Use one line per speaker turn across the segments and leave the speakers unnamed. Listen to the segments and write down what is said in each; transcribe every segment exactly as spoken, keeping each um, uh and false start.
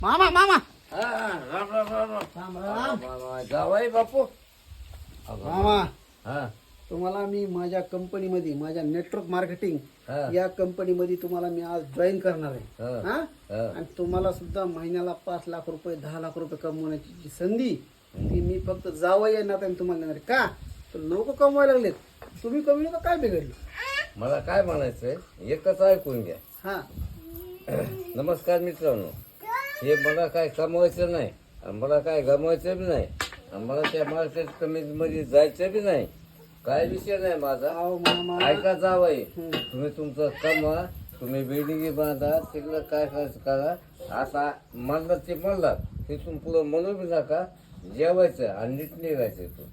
मामा मामा
हा, हा, राम राम राम राम
राम राम
राम जावाई बापू
मामा
हा
तुम्हाला मी माझ्या कंपनीमध्ये माझ्या नेटवर्क मार्केटिंग
हा.
या कंपनीमध्ये तुम्हाला मी आज जॉईन करणार आहे
हा.
हा?
हा.
आणि तुम्हाला सुद्धा महिन्याला पाच लाख रुपये दहा लाख रुपये कमवण्याची जी संधी ती मी फक्त जावं येणार आणि तुम्हाला देणार आहे. का तर लोक कमवायला लागलेत तुम्ही कमी तर काय बिघडलं
मला काय म्हणायचंय एकच ऐकून घ्या
हा
नमस्कार मित्रांनो हे मला काय कमवायचं नाही आणि मला काय गमवायचं बी नाही आणि मला त्या मार्केट कमिटीमध्ये जायचं बी नाही काय विषय नाही माझा
अहो मामा
ऐका जावई तुम्ही तुमचं कमवा तुम्ही बिल्डिंग बांधा तिकडं काय करायचं करा आता म्हणलं ते म्हणलात तिथून पुढं म्हणू बी नका जेवायचं आणि नीट निघायचं तू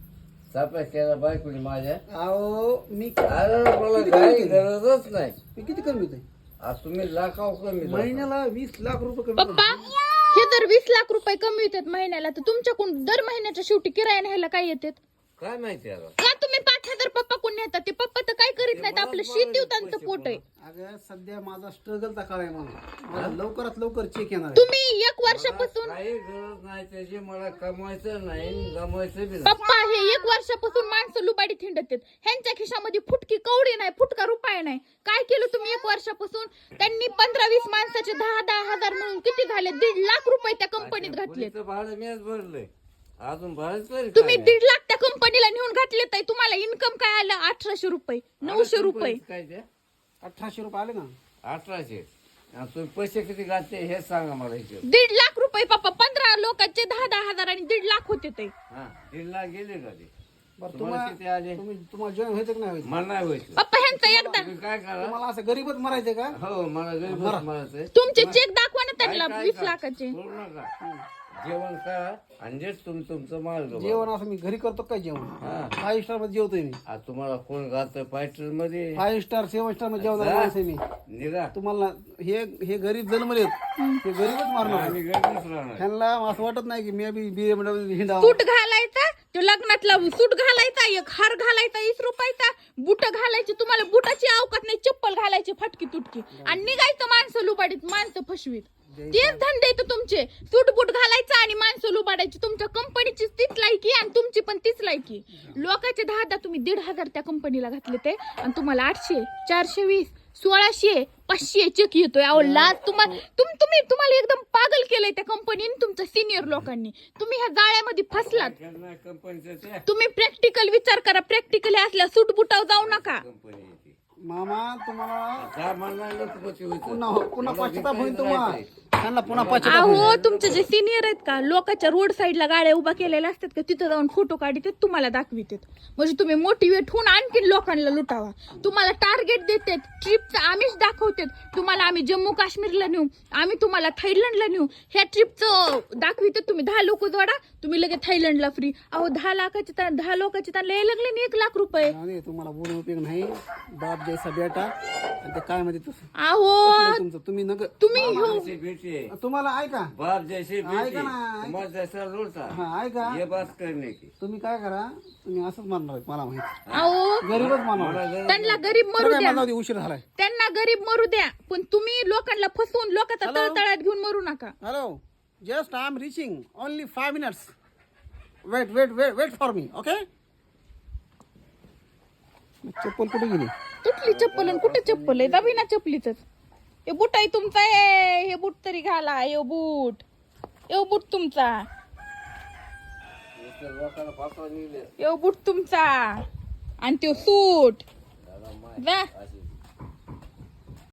सापा केला बायकोनी माझ्या
अहो मी
अरे मला काही गरजच नाही
मी किती कमवतोय
आज तुम्ही लाखाव कमी
महिन्याला वीस लाख रुपये कमी
पप्पा हे जर वीस लाख रुपये कमी येतात महिन्याला तर तुमच्याकडून दर महिन्याच्या शेवटी किराया न्यायला काय येतात
काय माहिती आता
का तुम्ही पाच हजार पप्पा कोण नेतात ते पप्पा तर काय करीत नाहीत आपलं शेती त्यांचं पोट आहे
अगं सध्या माझा स्ट्रगलचा काळ आहे मला मला लवकरात लवकर चेक येणार आहे.
तुम्ही एक वर्षापासून
काही गरज नाही त्याची मला कमवायचं नाही गमवायचं बी नाही
पप्पा हे एक वर्षापासून माणसं लुबाडी थिंडत आहेत ह्यांच्या खिशामध्ये फुटकी कवडी नाही फुटका रुपये नाही काय केलं तुम्ही एक वर्षापासून त्यांनी पंधरा वीस माणसाचे दहा दहा हजार मिळून किती झाले दीड लाख रुपये त्या कंपनीत घातले
पुढचं भाडं मीच भरलंय अजून भरायचं तरी
तुम्ही
काय?
दीड लाख त्या कंपनीला नेऊन घातले तर तुम्हाला इन्कम काय आलं अठराशे रुपये नऊशे रुपये
काय ते
अठराशे रुपये आले ना
अठराशे आणि तुम्ही पैसे किती घातले हे सांगा मला इथे
दीड लाख रुपये पप्पा पंधरा लोकांचे दहा दहा हजार आणि दीड लाख होते ते
हा दीड लाख गेले का ते
बरं
तुम्हाला किती आले
तुम्हाला तुम्ही तुम्हाला जॉईन व्हायचं की नाही व्हायचं
मला नाही व्हायचं
पप्पा ह्यांचा एकदा
तुम्ही काय करा
तुम्हाला असं गरीबच मरायचं का
हो मला गरीबच म्हणायचंय
तुमचे चेक दाखवा ना त्यांना
काय-
वीस
काय-
लाखाचे
करू नका जेवण करा आणि जे तुम तुमचं मार्ग बघा.
जेवण असं मी घरी करतो काय जेवण
हा
फाईव्ह स्टार मध्ये जेवतोय मी
आज तुम्हाला कोण घालतोय फायटर मध्ये
फाईव्ह स्टार सेव्हन स्टार मध्ये जेवणार
जा.
माणूस आहे मी
निघा
तुम्हाला हे हे गरीब जन्मले हे गरीबच मारणार
आम्ही गरीबच राहणार
ह्यांना असं वाटत नाही की मी बी बी एम डब्ल्यू हिंडा
सूट घालायचा तो लग्नातला सूट घालायचा एक हार घालायचा वीस रुपयाचा बुट घालायची तुम्हाला बुटाची अवकात नाही चप्पल घालायची फटकी तुटकी आणि निघायचं माणसं लुबाडीत माणसं फसवीत तेच धंदे तर तुमचे सूट बूट घालायचं आणि माणसं लुबाडायची तुमच्या कंपनीची तीच लायकी आणि तुमची पण तीच लायकी लोकांचे दहा दहा तुम्ही दीड हजार त्या कंपनीला घातले ते आणि तुम्हाला आठशे चारशे वीस सोळाशे पाचशे चेक येतोय अहो लाज तुम्हाला तुम तुम्ही तुम्हाला एकदम पागल केलंय त्या कंपनीने तुमच्या सिनियर लोकांनी तुम्ही ह्या जाळ्यामध्ये फसलात
कंपनीचं ते
तुम्ही प्रॅक्टिकल विचार करा प्रॅक्टिकल असल्या सूट बुटाव जाऊ नका
कंपनी येते
मामा तुम्हाला
जा म्हणणार लोकपती होतं
पुन्हा पुन्हा पश्चाताप होईल तुम्हाला त्यांना पुन्हा पश्चाताप
अहो तुमचे जे सिनियर आहेत का लोकांच्या रोड साईडला गाड्या उभा केलेल्या असतात का तिथं जाऊन फोटो काढतात तुम्हाला दाखवितात म्हणजे तुम्ही मोटिवेट होऊन आणखीन लोकांना लुटावा तुम्हाला टार्गेट देतात ट्रिपचं आम्हीच दाखवतात तुम्हाला आम्ही जम्मू काश्मीरला नेऊ आम्ही तुम्हाला थायलंडला नेऊ ह्या ट्रिपचं दाखवितात तुम्ही दहा लोक जोडा तुम्ही लगेच थायलंडला फ्री अहो दहा लाखाचे तर दहा लोकांचे तर लय लागले ना एक लाख रुपये
नाही तुम्हाला बोलून उपयोग नाही बाप जैसा बेटा आणि ते काय म्हणते तसं
अहो
तुमचं तुम्ही नग
तुम्ही हो
जैसे बेटे
तुम्हाला ऐका
बाप जैसे बेटे
ऐका ना.
तुम्हाला जैसा लोटा
हा ऐका
ये बात करने की
तुम्ही काय करा तुम्ही असंच मारणार आहेत, मला माहिती
अहो
गरीबच मारणार
मला गरज
त्यांना गरीब मरू
काय
द्या
मला उशीर झालाय
त्यांना गरीब मरू द्या पण तुम्ही लोकांना फसवून लोकांचा
Hello?
तळतळात घेऊन मरू नका
hello just I am reaching only five minutes wait wait wait wait for me okay चप्पल कुठे गेली
तुटली चप्पल आणि कुठे चप्पल आहे दाबी ना चप्पलीच हे बूट आहे तुमचा आहे हे बूट तरी घाला हे बूट हे बूट तुमचा
नुसतं लोकांना पाठवा निघले
हे बूट तुमचा आणि तो सूट जा